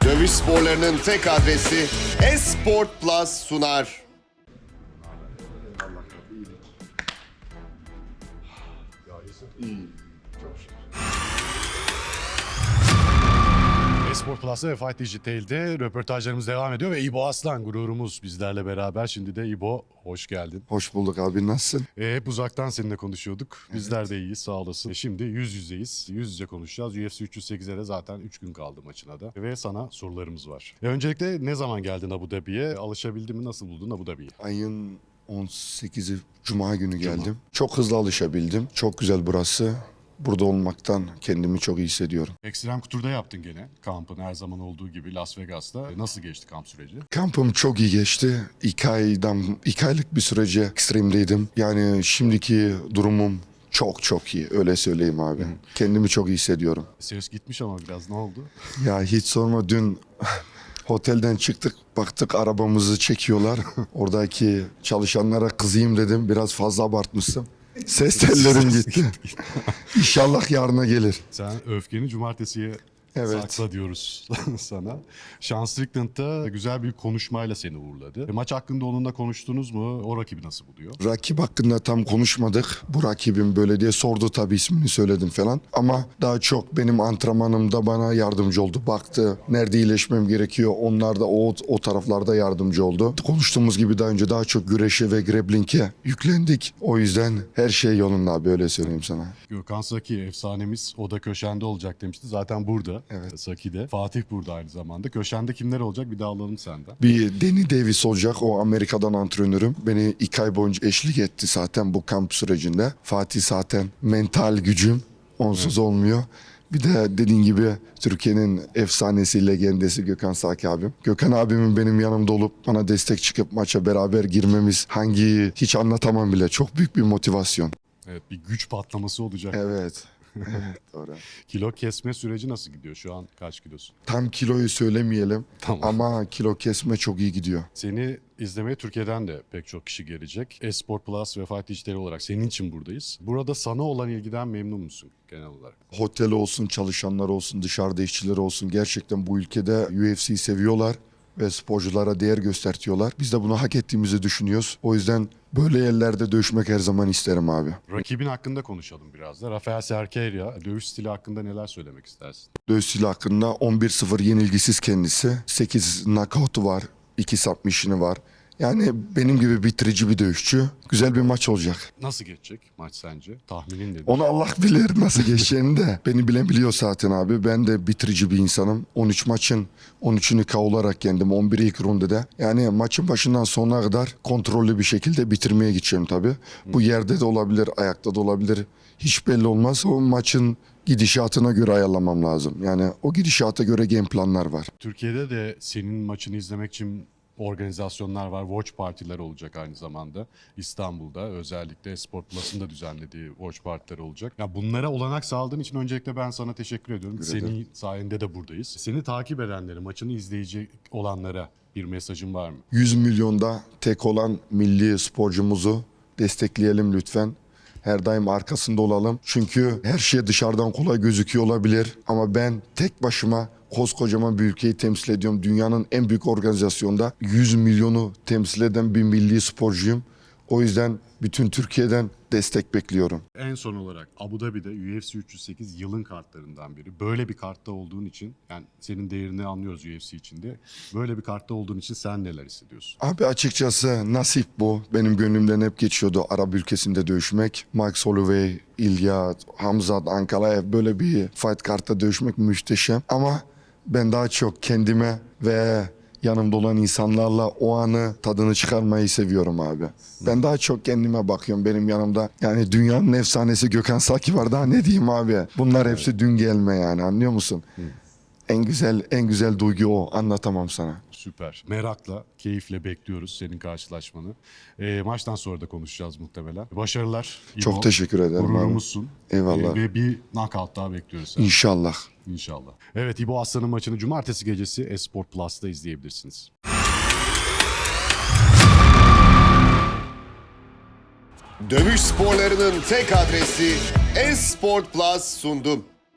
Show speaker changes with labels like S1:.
S1: Dövüş sporlarının tek adresi Esport Plus sunar.
S2: İyi. Çok şükür.
S3: Esport Plus'ta ve Fight Digital'de röportajlarımız devam ediyor ve İbo Aslan gururumuz bizlerle beraber. Şimdi de İbo hoş geldin.
S2: Hoş bulduk abi, nasılsın?
S3: Hep uzaktan seninle konuşuyorduk. Bizler de iyiyiz, sağ olasın. Şimdi yüz yüzeyiz. Yüz yüze konuşacağız. UFC 308'e de zaten 3 gün kaldı maçına da. Ve sana sorularımız var. Öncelikle ne zaman geldin Abu Dhabi'ye? Alışabildin mi? Nasıl buldun Abu Dhabi'yi?
S2: Ayın 18'i Cuma günü geldim. Çok hızlı alışabildim. Çok güzel burası. Burada olmaktan kendimi çok iyi hissediyorum.
S3: Ekstrem Couture'da yaptın gene kampın her zaman olduğu gibi Las Vegas'ta. Nasıl geçti kamp süreci?
S2: Kampım çok iyi geçti. 2 aylık bir sürece ekstremdeydim. Yani şimdiki durumum çok iyi, öyle söyleyeyim abi. Kendimi çok iyi hissediyorum.
S3: Ses gitmiş ama biraz, ne oldu?
S2: Ya hiç sorma, dün otelden çıktık, baktık arabamızı çekiyorlar. Oradaki çalışanlara kızayım dedim, biraz fazla abartmıştım. Ses tellerim gitti. İnşallah yarına gelir.
S3: Sen öfkeni cumartesiye
S2: Evet.
S3: sakla diyoruz sana. Sean Strickland da güzel bir konuşmayla seni uğurladı. Maç hakkında onunla konuştunuz mu? O rakibi nasıl buluyor?
S2: Rakip hakkında tam konuşmadık. Bu rakibim böyle diye sordu, tabii ismini söyledim falan. Ama daha çok benim antrenmanımda bana yardımcı oldu. Baktı nerede iyileşmem gerekiyor. Onlar da o taraflarda yardımcı oldu. Konuştuğumuz gibi daha önce daha çok güreşe ve grappling'e yüklendik. O yüzden her şey yolunda abi, öyle söyleyeyim sana.
S3: Gökhan Saki efsanemiz, o da köşende olacak demişti. Zaten burada.
S2: Evet.
S3: Saki'de. Fatih burada aynı zamanda. Köşende kimler olacak? Bir daha alalım senden.
S2: Bir Danny Davis olacak, o Amerika'dan antrenörüm. Beni 2 ay boyunca eşlik etti zaten bu kamp sürecinde. Fatih zaten mental gücüm, onsuz olmuyor. Bir de dediğin gibi Türkiye'nin efsanesi, legendesi Gökhan Saki abim. Gökhan abimin benim yanımda olup bana destek çıkıp maça beraber girmemiz, hiç anlatamam bile. Çok büyük bir motivasyon.
S3: Evet, bir güç patlaması olacak.
S2: Evet. Evet, doğru.
S3: Kilo kesme süreci nasıl gidiyor? Şu an kaç kilosun?
S2: Tam kiloyu söylemeyelim
S3: Tamam.
S2: ama kilo kesme çok iyi gidiyor.
S3: Seni izlemeye Türkiye'den de pek çok kişi gelecek. Esport Plus ve Fight Digital olarak senin için buradayız. Burada sana olan ilgiden memnun musun genel olarak?
S2: Hotel olsun, çalışanlar olsun, dışarıda işçiler olsun, gerçekten bu ülkede UFC'yi seviyorlar ve sporculara değer göstertiyorlar. Biz de bunu hak ettiğimizi düşünüyoruz. O yüzden böyle yerlerde dövüşmek her zaman isterim abi.
S3: Rakibin hakkında konuşalım biraz da. Rafael Cerqueira, dövüş stili hakkında neler söylemek istersin?
S2: Dövüş stili hakkında 11-0 yenilgisiz kendisi. 8 knockout'u var, 2 submission'ı var. Yani benim gibi bitirici bir dövüşçü. Güzel bir maç olacak.
S3: Nasıl geçecek maç sence? Tahminin nedir?
S2: Onu Allah bilir nasıl geçeceğini de. Beni bilen biliyor zaten abi. Ben de bitirici bir insanım. 13 maçın 13'ünü KO olarak yendim. 11'i ilk rundede. Yani maçın başından sonuna kadar kontrollü bir şekilde bitirmeye gideceğim tabii. Bu yerde de olabilir, ayakta da olabilir. Hiç belli olmaz. O maçın gidişatına göre ayarlamam lazım. Yani o gidişata göre game planlar var.
S3: Türkiye'de de senin maçını izlemek için organizasyonlar var. Watch partiler olacak aynı zamanda. İstanbul'da özellikle Sport Plus'ın da düzenlediği watch partiler olacak. Ya bunlara olanak sağladığın için öncelikle ben sana teşekkür ediyorum.
S2: Teşekkür ederim.
S3: Senin sayende de buradayız. Seni takip edenlere, maçını izleyecek olanlara bir mesajın var mı?
S2: 100 milyonda tek olan milli sporcumuzu destekleyelim lütfen. Her daim arkasında olalım. Çünkü her şey dışarıdan kolay gözüküyor olabilir. Ama ben tek başıma koskocaman bir ülkeyi temsil ediyorum. Dünyanın en büyük organizasyonda 100 milyonu temsil eden bir milli sporcuyum. O yüzden bütün Türkiye'den destek bekliyorum.
S3: En son olarak Abu Dhabi'de UFC 308 yılın kartlarından biri. Böyle bir kartta olduğun için, yani senin değerini anlıyoruz UFC içinde. Böyle bir kartta olduğun için sen neler hissediyorsun?
S2: Abi açıkçası nasip bu. Benim gönlümden hep geçiyordu Arap ülkesinde dövüşmek. Mike Holloway, İlya, Hamzat, Ankalaev, böyle bir fight kartta dövüşmek muhteşem. Ama ben daha çok kendime ve yanımda olan insanlarla o anı tadını çıkarmayı seviyorum abi. Ben daha çok kendime bakıyorum, benim yanımda. Yani dünyanın efsanesi Gökhan Saki var, daha ne diyeyim abi. Bunlar hepsi dün gelme yani, anlıyor musun? En güzel duygu o, anlatamam sana.
S3: Süper. Merakla, keyifle bekliyoruz senin karşılaşmanı. Maçtan sonra da konuşacağız muhtemelen. Başarılar.
S2: Çok
S3: İbo.
S2: teşekkür ederim abi.
S3: Gururumuzsun.
S2: Eyvallah.
S3: Ve bir knockout daha bekliyoruz seni.
S2: İnşallah.
S3: İnşallah. Evet, İbo Aslan'ın maçını cumartesi gecesi Esport Plus'ta izleyebilirsiniz.
S1: Dövüş sporlarının tek adresi Esport Plus sundu.